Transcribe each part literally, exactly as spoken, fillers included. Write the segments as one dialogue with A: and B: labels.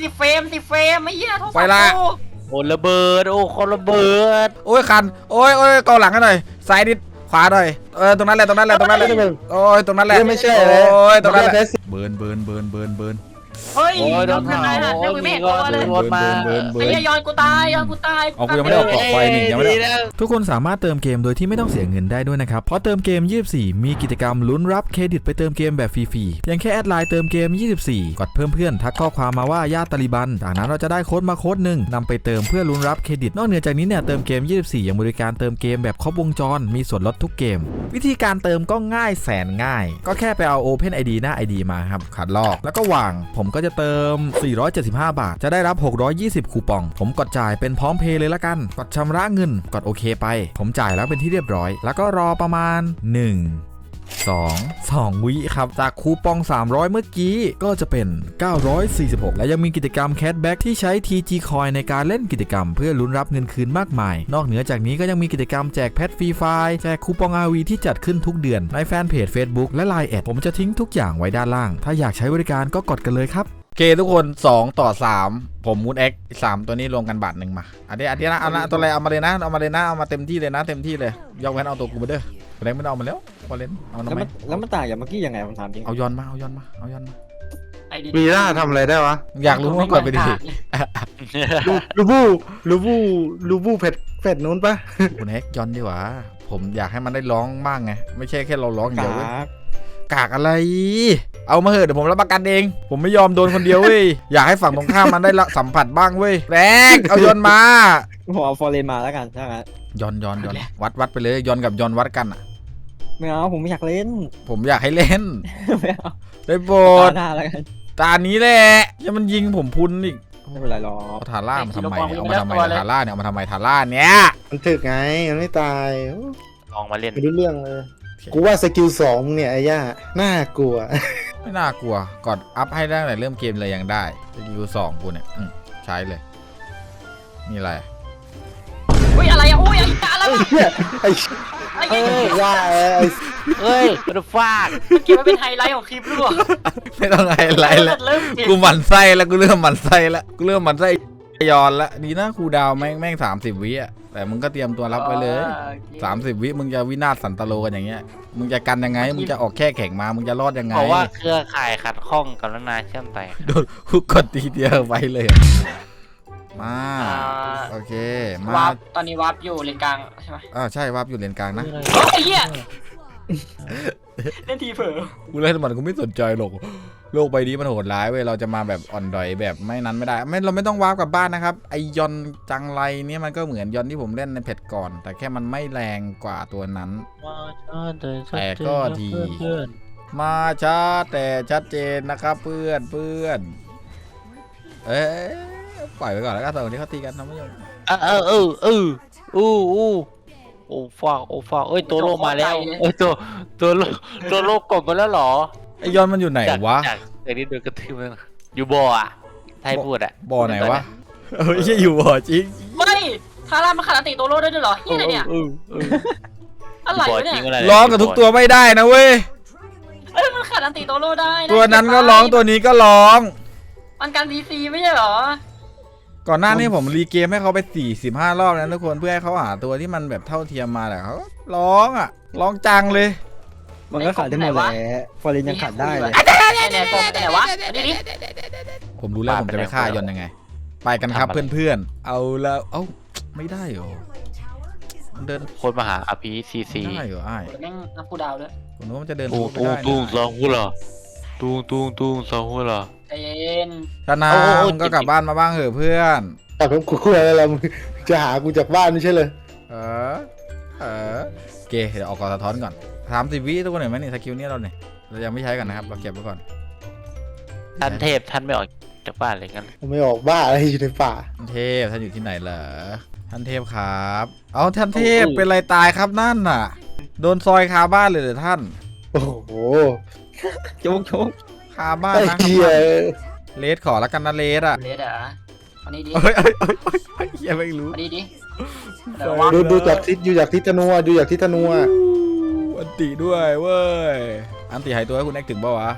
A: สิบเฟรมสิบเฟรมไม่เหี้ยโทรศัพท์
B: ไปละ
C: โอ้ระเบิดโอ้คนระเบิด
B: โอ้ยคันโอ้ยโอ้ยเกาหลังกันหน่อยซ้ายนิดขวาหน่อยเออตรงนั้นแหละตรงนั้นแหละตรงนั้นแหละโอ้ยตรงนั้นแหละไม่ใช่โอ้ยตรงนั้นแหละเบิร์นเบิร์นเบิร์นเบิร์นเบิร์น
A: เฮ้ย
C: โอ้ยโดน
A: ทำยังไงฮะแล้วกูไม่เห็นตัวเลย
C: รถมา
A: ไอ้เหี้ยย้อนกูตายย้อนกูตาย
B: เอากูยังไม่ได้ออกเกาะไฟนี่ยังไม่ได้
D: ทุกคนสามารถเติมเกมโดยที่ไม่ต้องเสียเงินได้ด้วยนะครับเพราะเติมเกมยี่สิบสี่มีกิจกรรมลุ้นรับเครดิตไปเติมเกมแบบฟรีๆเพียงแค่แอดไลน์เติมเกมยี่สิบสี่กดเพิ่มเพื่อนทักข้อความมาว่าญาติตาลิบันจากนั้นเราจะได้โค้ดมาโค้ดหนึ่งนำไปเติมเพื่อลุ้นรับเครดิตนอกเหนือจากนี้เนี่ยเติมเกมยี่สิบสี่ยังบริการเติมเกมแบบครบวงจรมีส่วนลดทุกเกมวิธีการเติมก็ง่ายแสนง่ายก็แค่ไปเอา Open ไอ ดี หน้า ไอ ดี มาครับขัดลอกแล้วก็วางผมก็จะเติมสี่ร้อยเจ็ดสิบห้าบาทจะได้รับหกร้อยยี่สิบคูปองผมกดจ่ายเป็นพร้อมเพย์เลยละกันกดชำระเงินกดโอเคไปผมจ่ายแล้วเป็นที่เรียบร้อยแล้วก็รอประมาณหนึ่ง สอง สองวิครับจากคูปองสามร้อยเมื่อกี้ก็จะเป็นเก้าร้อยสี่สิบหกและยังมีกิจกรรมแคชแบ็กที่ใช้ ที จี Coin ในการเล่นกิจกรรมเพื่อลุ้นรับเงินคืนมากมายนอกเหนือจากนี้ก็ยังมีกิจกรรมแจกแพทฟรีไฟล์แจกคูปอง อาร์ วี ที่จัดขึ้นทุกเดือนในแฟนเพจ Facebook และ ไลน์ แอดผมจะทิ้งทุกอย่างไว้ด้านล่างถ้าอยากใช้บริการก็กดกันเลยครับ
B: โอเคทุกคนสองต่อสามผมมูดเอ็กสามตัวนี้รวมกันบาทหนึ่งมาอันนี้อันนี้นะเอานะตัวอะไรเอามาเลยนะเอามาเลยนะเอามาเต็มที่เลยนะเต็มที่เลยยกเว้นเอาตัวกูมาเด้อแรงไม่เอามาแล้วบอลเลนเอาทำ
E: แล้ว
B: ไม
E: มันแล้วมันต่างอย่างเมื่อกี้ยังไงผมถามจริง
B: เอาย้อนมาเอาย้อนมาเอาย้อนมา
A: ไอ้ดี
F: มีหน้าทำอะไรได้วะ
B: อยากรู้ว่าก่อนไปดิ
F: ลูบูลูบูลูบูเผ็ดเผ็ดนู้นปะ
B: คุณเอ็กย้อนดีกว่าผมอยากให้มันได้ร้องบ้างไงไม่ใช่แค่เราร้องอย่าง
E: กา
B: เดียวเว้ย
E: ก
B: กากอะไรเอามาเหอะเดี๋ยวผมรับประกันเองผมไม่ยอมโดนคนเดียวเว้ยอยากให้ฝั่งตรงข้ามมันได้สัมผัสบ้างเว้ยแรงเอาย้อนมา
E: ผมเอาฟอร์เรนมาแล้วกันถ้างั้น
B: ย้อนย้อนย้อนวัดวัดไปเลยย้อนกับย้อนวัดกันอ่ะ
E: ไม่เอาผมไม่อยากเล่น
B: ผมอยากให้เล่น
E: ไม่เอา
B: ได้โปร
E: ตา
B: ด
E: หน้าแล้วกัน
B: ตานี้แหละยังมันยิงผมพุนอีก
E: ไม่เป็นไรหรอก
B: เอาทาร่ามาทำไมเอามาทำไมทาร่าเนี่ยเอามาทำไมทาร่าเนี่ย
F: มันถึกไงมันไม่ตาย
C: ลองมาเล่น
F: ไม่รู้เรื่องเลยกูว่าสกิลสองเนี่ยไอ้ย่าน่ากลัว
B: ไม่น่ากลัวกดอัพให้ได้ตั้งแต่เริ่มเกมเลยยังได้สกิลสองกูเนี่ยอืมใช้เลยนี่อะไร
A: อุ้ยอะไรอ่ะอุ้ยอะไร
F: ไอ้
A: วะ
F: เหี้ยไอ้
A: ไอ้
F: ไอ้
A: เหี้ย
F: ว่าไอ้
C: เฮ้ยมันฟาด
A: เก็บไว้เป็นไฮไลท์ของคลิปด้วย
B: ไม่ต้องไฮไลท์แล้ว
A: เริ่มเก็บ
B: กูหมั่นไส้แล้วกูเริ่มหมั่นไส้แล้วกูเริ่มหมั่นไส้ยอนแล้วดีนะครูดาวแม่งแม่งสามสิบวิอ่ะแต่มึงก็เตรียมตัวรับไว้เลยสามสิบวิมึงจะวินาศสันตโลกันอย่างเงี้ยมึงจะกันยังไงมึงจะออกแค่แข่งมามึงจะรอดยังไง
C: เพราะว่าเครือข่ายขัดข้องกับนานาเชื่อมไป
B: โดนฮุกกดทีเดียวไปเลยมาโอเคมาว
A: าร์ปตอนนี้วาร์ปอยู่เลนกลางใช่ไหม
B: อ่าใช่วาร์ปอยู่เลนกลางนะ
A: ไอ้เหี้ยเล่นทีเผลอ
B: กูเล่นมันกูไม่สนใจหรอกโลกใบนี้มันโหดร้ายเว้ยเราจะมาแบบอ่อนดอยแบบไม่นั้นไม่ได้ไม่เราไม่ต้องวาร์ปกลับบ้านนะครับไอยอนจังไรเนี่ยมันก็เหมือนยอนที่ผมเล่นในเพจก่อน แต่แค่มันไม่แรงกว่าตัวนั้น แต่ก็ดี มาช้าแต่ชัดเจนนะครับเพื่อนเพื่อนเอ๊ะปล่อยไปก่อนแล้วกันตอนนี้เขาตีกันทำไม่ยอม
C: เออเออเออเอออู้อู้โอ้ฟากโอ้ฟากเอ้ยตัวโลมาแล้วเอ้ยตัวตัวโลตัวโลกดมาแล้วหรอ
B: ไอยอนมันอยู่ไหนวะ
C: จากจากนี้โดนกระทืบมันอยู่บ่ออ่ะไทยพูดอ่ะ
B: บ่อไหนวะเฮ้ยไม่อยู่บ่อจริง
A: ไม่ทาร่ามันขาดอันติโตโร่ได้ด้วยเหรอเฮียอะไรเนี่ย
C: เออเออ
A: อะไร
C: บ่อ
A: วะ
C: จ
A: เนี่
C: ริ
A: ย
C: งอะไร
B: ร้องกับทุกตัวไม่ได้นะเว้ย
A: เอ้ยมันขาดอันติโตโร่ได้ะ
B: ตัวนั้นก็ร้องตัวนี้ก็ร้อง
A: มันการดีซีไม่ใช่เหรอ
B: ก่อนหน้านี้ผมรีเกมให้เขาไปสี่สิบห้ารอบนะทุกคนเพื่อให้เขาหาตัวที่มันแบบเท่าเทียมมาแต่เขาร้องอ่ะร้องจังเลย
E: มันก็ขาดได้หมดแหละฟอร์เรนยังขาดได้เลย
A: ไอ้เนี่ยตัวไหนวะอันนี้ดิ
B: ผมรู้แล้วผมจะไปฆ่ายอนยังไง ไปกันครับเพื่อนๆเอาแล้วเอ้าไม่ได้เหรอมันเดิน
C: คนมาหาอภิซีซี
B: ได้เหรอไอ้
A: แม่งนับกูดาวด้วย
B: ผมนึกว่ามันจะเดิน
C: ตุ้ง
B: ไม่
C: ตุ้ง
B: ได้
C: ตุ้งสองหัวเหรอตุ้งตุ้งตุ้งสองหัวเหรอ
A: ใจเย็น
B: ธนามึงก็กลับบ้านมาบ้างเหอะเพื่อน
F: แต่ผมกูคุยอะไรมึงจะหากูจากบ้านไม่ใช่เลย
B: เออเออโอเคเดี๋ยวออกก่อนสะท้อนก่อนสามสิบวิทุกคนเห็นไหมนี่สกิลนี้เราเนี่ยเรายังไม่ใช้กันนะครับเราเก็บไว้ก่อน
C: ท่านเทพท่านไม่ออกจากบ้านเลยงั้น
F: ผมไม่ออกบ้าอะไรอยู่ในป่า
B: ท่านเทพท่านอยู่ที่ไหนเหรอท่านเทพครับเอาท่านเทพเป็นไรตายครับนั่นน่ะโดนซอยคาบ้านเลยเหรอท่าน
F: โอ้โห
E: โจ๊กโจ๊ก
B: คาบ้าน
F: ไอ้
B: นะ
F: เหี้ย
B: เลสขอแล้วกันนะเลสอ่ะ
A: เลดอ่ะอันนี้ดิ
B: เอ้ยเอ้ยเอ้ยเอ้ยเอ้ยเหี้ยไม่รู้
A: อันนี้ดิ
F: ดูดูจากทิศดูจากทิศธนูอะดูจากทิศธนูอะ
B: อันติด้วยเว้ยอันติหายตัวให้คุณแอกถึงเปล่าวะ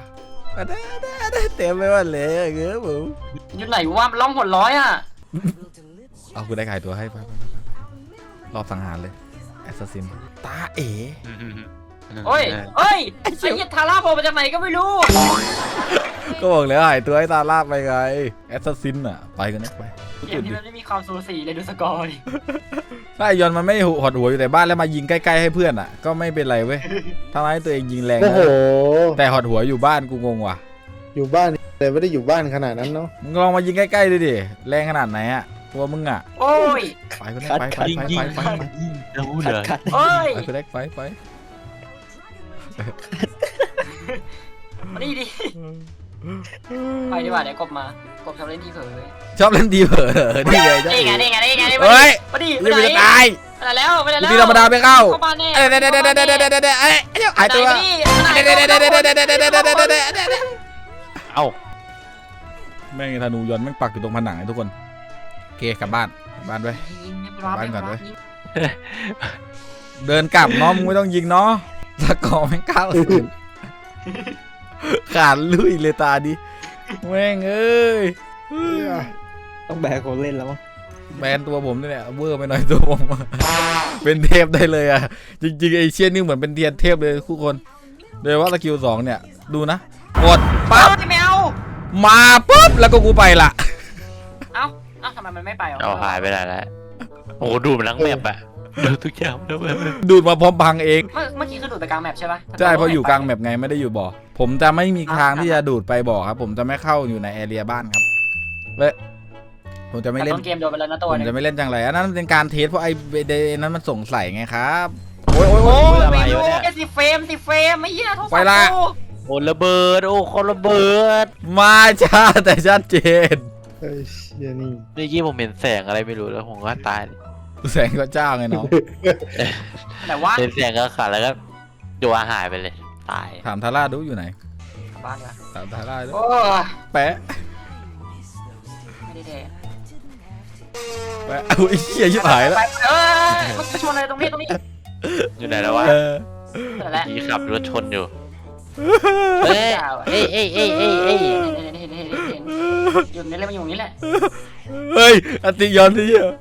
B: อันนั้นอันนั้นอันนั้นเต็มไปหมดเลยเงี้ยผม
A: อยู่ไหนวะมันล่องหนร้อยอ่ะ
B: เอากูได้ขายตัวให้ไปไปไปไปรอบสังหารเลยแอสซัสซินตาเอ๋
A: โอ้ยเอ้ยไอ้เหี้ยทาร่าโผล่มาจากไหนก็ไม่รู้
B: ก็บอกแล้วหายตัวให้ตาลาบไปไงแอสซัสซินอ่ะไปกันนะไป
A: เกมนี้มันไม่มีความสูสีเลยดูสกอร์ดิ
B: ถ้าไอยอนมันไม่หดหัวอยู่แต่บ้านแล้วมายิงใกล้ๆให้เพื่อนอ่ะก็ไม่เป็นไรเว้ยทำให้ตัวเองยิงแรง
F: โอ้โห
B: แต่หดหัวอยู่บ้านกูงงว่ะ
F: อยู่บ้านแต่ไม่ได้อยู่บ้านขนาดนั้นเนาะ
B: มึงลองมายิงใกล้ๆดูดิแรงขนาดไหนอ่ะตัวมึงอ่ะ
A: โอ้ย
B: ไปกันไปไปไปไปไปไป
C: รู้
E: ขั
C: เล
E: ด
C: ย
E: ขัด
A: โอ้ย
B: ไปไปไปไป
A: มานี่ดิไปดีกว่าเดี๋ยวกบมากบชอบเล่นที่เผย
B: ชอบเล่นดีเผลอนี่ไงจ้า
A: นี่ไงนี่ไงนี่ไงนี่ไง
B: เฮ้ย
A: มาดิ
B: ยังไม่จะตาย
A: ไปไหนแล้วไปไหน
B: กู
A: แล้ว
B: ตีธรรมดาไม่เข้า
A: เข้าบ้านแน่
B: เอ้ยเดี๋ยวเดี๋ยวเดี๋ยวเดี๋ยวเดี๋ยวเดี๋ยวเดี๋ยวเอ้ยเดี๋ยวหายตัว
A: ไหนมาดิ
B: เดี๋ยวเดี๋ยวเดี๋ยวเดี๋ยวเดี๋ยวเดี๋ยวเดี๋ยวเดี๋ยวเดี๋ยวเดี๋ยวเดี๋ยว
C: เอ้า
B: แม่งธนูย้อนแม่งปักอยู่ตรงผนังไอ้ทุกคนโอเคกลับบ้านกลับบ้านไป บ้านก่อนเว้ย เดินกลับเนาะมึงไม่ต้องยิงเนาะสกอร์แม่งเก้าศูนย์ขาดลุยเลยตาดิแม่งเอ้ย
E: ต้องแบกคนเล่นแล้วมั้ง
B: แบนตัวผมนี่แหละเวอร์ไปหน่อยตัวผม เป็นเทพได้เลยอ่ะจริงๆไอเชี่ยนี่เหมือนเป็นเทียนเทพเลยทุกคนโดยว่าสกิลสองเนี่ยดูนะกดปั๊บ
A: เอ้าไม่เอา
B: มาปุ๊บแล้วก็กูไปละ
A: เอ้าเอ้าทำไมมันไม่ไปอ่ะ
C: เอาหายไปไหนแล้วโอ้โหดูมันทั้งแมปอะดูทุกอย่างแล้วแบบ
B: ดูดมาพร้อมพังเอง
A: เมื่อเมื่อกี้คือดูดไปกลางแมปใช่ปะ
B: ใช่เพราะอยู่กลางแมปไงไม่ได้อยู่บ่อผมจะไม่มีทางที่จะดูดไปบ่อครับผมจะไม่เข้าอยู่ในแอเรียบ้านครับเลยผมจะไม่
A: แต่
B: เล่น
A: ต้นเกมโดนไปแล้วนะตัว
B: ผม
A: นึง
B: จะไม่เล่นจังไรอันนั้นเป็นการเทสเพราะไอ้เดนั้นมันสงสัยไงครับโอ้ยโอ้ยโอ้
A: โอ้
B: ย
A: ยไม่รู้แค่สิเฟรมสิเฟรมไม่เหี้ยโทษ
B: ไปละ
C: โอ้ระเบิดโอ้คนระเบิด
B: มาช้าแต่ชัดเจน
F: เฮ้ยเชี่ยนี่
C: เมื่อกี้ผมเห็นแสงอะไรไม่รู้แล้วผมก็ตาย
B: แสงก็เจ้าไงน้อง
A: แต่ว่า
C: เห็นแสงก็ขาดแล้วก็โดนหายไปเลยตาย
B: ถามทาร่าดูอยู่ไหน
A: กลับบ้านดีกว่า
B: ถามทาร่าดู
A: โอ้ย
B: แปะ
A: ไม่ได้แดก
B: แปะอุ้ยเชี่ยชิบหายแล้ว
A: ไปเออมันจะชนอะไรตรงนี้ตรงนี้
C: อยู่ไหนแล้ววะ
B: เออ
A: นั่นแหละ
C: ขี่ขับรถชนอยู่เอ้ยเอ้ยเอ้ยเอ้ยเอ้ยเอ้ย
A: เห็นเห็นเห็นเห็นเห็นอยู่นี่แหละมันอยู่นี่แหละ
B: เฮ้ยอติยอนที่เหี้ย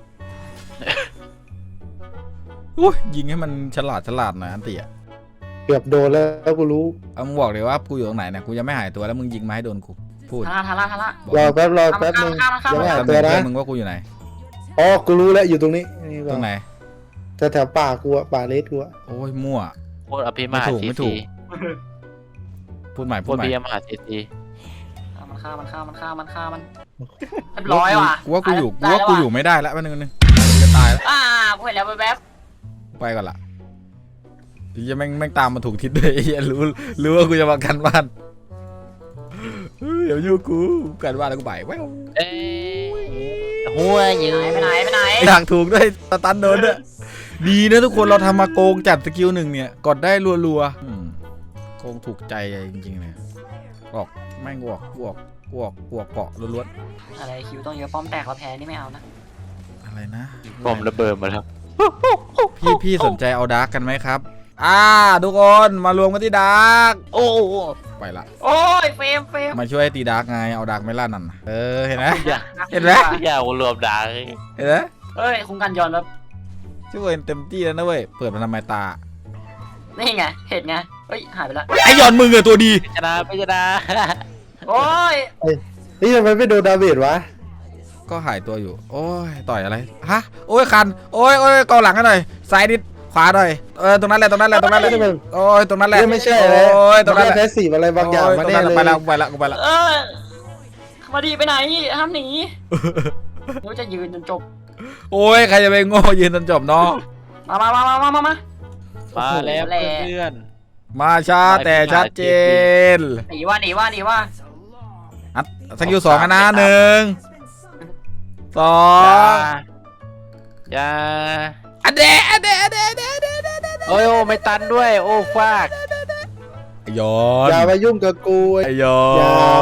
B: อุ้ยยิงให้มันฉลาดฉลาดหน่อยอันติอ่ะ
F: เกือบโดนแล้วกูรู้
B: เอามึงบอกเลยว่ากูอยู่ตรงไหนเนี่ยกูยังไม่หายตัวแล้วมึงยิงมาให้โดนกูพูด
A: ทาร่าทาร่าทาร่าร
F: อแป๊บรอแป๊บนึง
A: ข้ามข้าม
F: ยังไม่
A: ข้า
F: หาม ย
B: แต่
F: ตัว
B: เพื่
F: นะ
B: อนมึงว่ากูอยู่ไหน
F: อ๋อกูรู้แล้วอยู่ตรงนี้นี่
B: ตรงไหน
F: แถวแถวป่ากูอะป่าเลสกูอะ
B: โอ้ยมั่ว
C: โคตรอภิมหา
B: ไม่ถูก
C: ซี
B: ไม่ถู
C: ซี
B: ก พูดใหม่
C: โค
B: พูด
C: ตร
B: ใหม่
C: พิมหาซีซี
A: มันฆ่ามันฆ่ามันฆ่ามันฆ่ามันเรียบร้อยว่ะ
B: กูว่ากูอยู่กูว่ากูอยู่ไม่ได้แล้วแป๊บนึงนึงจะตายแล้ว
A: อ่ากูเห็นแล้วแว๊บ
B: ไปก่อนละพี่จะแม่งแม่งตามมาถูกทิศด้วยไอ้เหี้ยรู้รู้ว่ากูจะมากันบ้านเฮ้ยเดี๋ยวอยู่กูกันบ้านแล้วกูไปแว้ว
C: เอ้ยหัวยืน
A: ไปไหนไปไหน
B: อยากถูกด้วยสตันโดนด้วยดีนะทุกคนเราทำมาโกงจัดสกิลหนึ่งเนี่ยกดได้รัวๆอืมโกงถูกใจจริงๆเลยออกแม่งออกออกออกออกเกาะล้วน
A: อะไรคิวต้องเยอะป้อมแตกเราแพ้นี่ไม่เอานะ
B: ๆอะไรนะ
C: ผมระเบิดหมาแล้ว
B: พี่พี่สนใจเอาดาร์กกันไหมครับ อ่าทุกคนมารวมกันที่ดาร์ก
C: โอ้
B: ไปละ
A: โอ้ยเฟรมเฟรม
B: มาช่วยตีดาร์กไงเอาดาร์กไม่ล่านั่นน่ะเออเห็นไหม
C: อย่า
B: เห็นไหม
C: อย่ารวมดัง
B: เห็นไหม
A: เฮ้ยคุ้มกันย้อนแบบ
B: ช่วยเต็มที่แล้วนะเว้ยเปิดมาทำไมตา
A: นี่ไงเห็นไงเฮ้ยหายไปละ
B: ไอ้ยอนมึงอะตัวดี
C: ชนะไม่ชนะ
A: โอ้ย
F: นี่ทำไมไม่โดนดาเมจวะ
B: ก็หายตัวอยู่ โอ้ยต่อยอะไรฮะโอ้ยคันโอ้ยโอ้ยกองหลังกันหน่อยซ้ายนิดขวาหน่อยเออตรงนั้นแหละตรงนั้นแหละตรงนั้นแหละโอ้ยตรงนั้นแหละ
F: นี่ไม่ใช่แล้ว
B: โอ้ยตรงนั้นแหละ
F: แพ้สีอะไรบางอย่างมาแน่เลย
B: ไปละไปละไปละ
A: เออมาดีไปไหนห้ามหนีเดี๋ยวจะยืนจนจบ
B: โอ้ยใครจะไปโง่ยืนจนจบเนาะ
A: มามามามามามา
C: มาแล้วเพื่อน
B: มาช้าแต่ชัดเจน
A: หนีว่าหนีว่าหนีว่า
B: อัดสกิลสองนะหนึ่งสอ
C: อย่าง อย่า
B: อันเดะอันเดะอันเดะอันเดะอันเดะอันเดะ
C: โอ้ยโอ้ไม่ตันด้วยโอ้ฟาก
B: ย้อน
F: อย่ามายุ่งกับกู
B: ไอ้ย้อน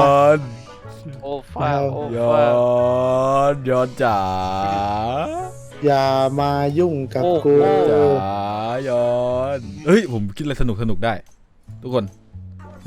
C: โอ้ฟากโอ้
B: ย้อ
C: ฟาก
B: นย้อนจ๋า
F: อย่ามายุ่งกับกู
B: จ๋าย้อนเฮ้ยผมคิดอะไรสนุกสนุกได้ ทุกคน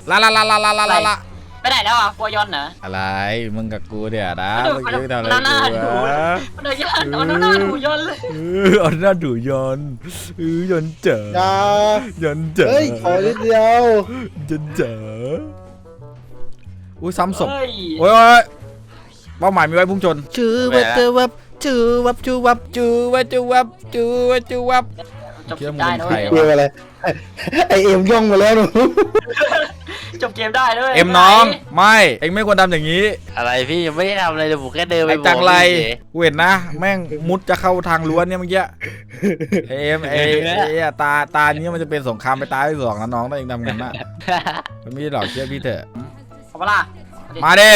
B: ลาลาลาลาลาลาลาลา
A: ไปไหนแล้วอ่ะฟัวยอนเหรอ
B: อะไรมึงกับกูเดี๋ยวนะ
A: มัน
B: เมื่อ
A: ดู
B: กี้ทำอะไร
A: มันหน้า
B: กู
A: ดู
B: วะ
A: มันเอายอนเอาหน้าดูยอนเลย
B: เออเอาหน้าดูยอนเออยอนเจ๋อ
E: อย่าย
B: อนเจ๋อ
E: เฮ้ยขอนิดเดียว
B: ยอนเจ๋ออุ้ยซ้ำศพ
A: เฮ้ย
B: โอ้ยโอ้ยเป้าหมายมีไว้พุ่งชนจูวับจูวับจูวับจูวับจูวับจูวับจูวับจูวับ
A: จบ
B: เชื่อมึง
A: ได้
B: เป็น
A: นะ
B: ใคร
A: เว้ยว
F: เกมอะไรไอ้ไอเอ็มย่องมาแล้วหนู
A: จบเกมได้ด้วย
B: เอ็มน้องไม่เอ็งไม่ควรทำอย่างนี้
C: อะไรพี่ยังไม่ได้ทำอะไรเลยผมแค่เดินไป
B: ไอ้
C: บอก
B: จังไร
C: พี่เฉย
B: กูเห็นนะ แม่งมุดจะเข้าทางรั้วเนี่ยเมื่อกี้ไอ้เอ็มไอ้ไอ้อะตาตานี้มันจะเป็นสงครามไปตายที่สองนะน้องถ้าเองทำงั้นน่ะมันไม่ได้หรอกเชื่อพี่เถอะ
A: ขอเวลา
B: มาดิ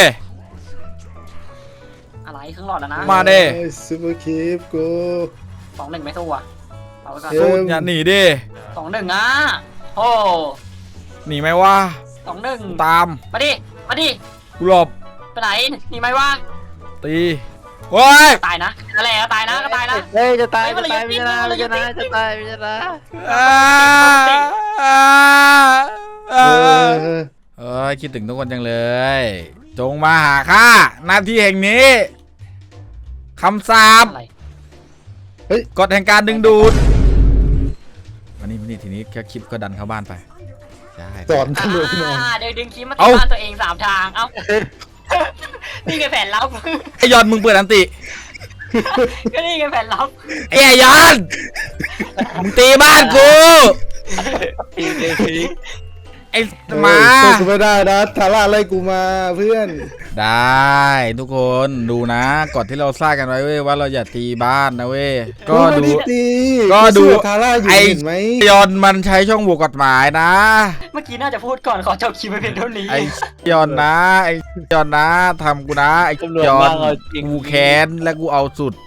A: อะไรครึ่งหลอดแล้วนะ
B: มาดิ
F: ซูเปอร์คีฟกู
A: สองหนึ่งไม่สู้อ่ะเอาไปก่อน
F: เอ็ม
B: สู้อย่าหนีดิ
A: สองหนึ่งอ่ะโอ้
B: หนีไหมวะ
A: สองหนึ่ง
B: ตาม
A: มาดิมาดิ
B: กูหลบ
A: ไปไหนหนีไหมวะ
B: ตีโอ้ย
A: ตายนะอะไรก็ตายนะก็ตายนะ
C: เฮ้ยจะตาย
A: เฮ้ยมั
C: จะ
A: น
C: ตาย
A: ระ
C: ไม่
A: ยะ
C: ชนะ
A: ติ๊ก
C: จะชนะ
A: ระยะติ๊ก
C: จะตายไม่ชนะ
B: อ่าอ่า
F: เอ
B: อ่า
F: อ
B: เอ้ยคิดถึงทุกคนจังเลย จงมาหาข้าหน้าที่แห่งนี้คำสาป
A: อะไร
B: กฎแห่งการดึงดูดมานี่มานี่ทีนี้แค่คลิปก็ดันเข้าบ้านไปใช่
F: สอนตำรวจนอน
A: อ่าเดี๋ยวดึงคลิปมา
B: เอ้า
A: ที่บ้านตัวเองสามทางเอ้านี่ไงแผนลับ
B: ไอยอนมึงเปิดอันติ
A: ก็นี่ไงแผนลับ
B: ไอ้ไอยอนมึงตีบ้านกู
C: พี่เจพี่
B: ไอ้หมา
F: เออสู้กูไม่ได้นะทาร่าไล่กูมาเพื่อน
B: ได้ทุกคนดูนะกฎที่เราสร้างกันไว้เว้ยว่าเราอย่าตีบ้านนะเว้ยก็
F: ไม่
B: ดู
F: ไตี
B: ก็ดู
F: สู้กับทาร่าอยู่
B: ไอ้
F: เห็นไหม
B: ยอนมันใช้ช่องโหว่กฎหมายนะ
A: เมื่อกี้น่าจะพูดก่อนขอจบคลิปไปเพียงเท่านี้
B: ไอ้ยอนนะไอ้ยอนนะทำกูนะไอ้
C: ตำรวจ
B: ยอ
C: บ้าน เราจริง
B: กูแค้นและกูเอาสุด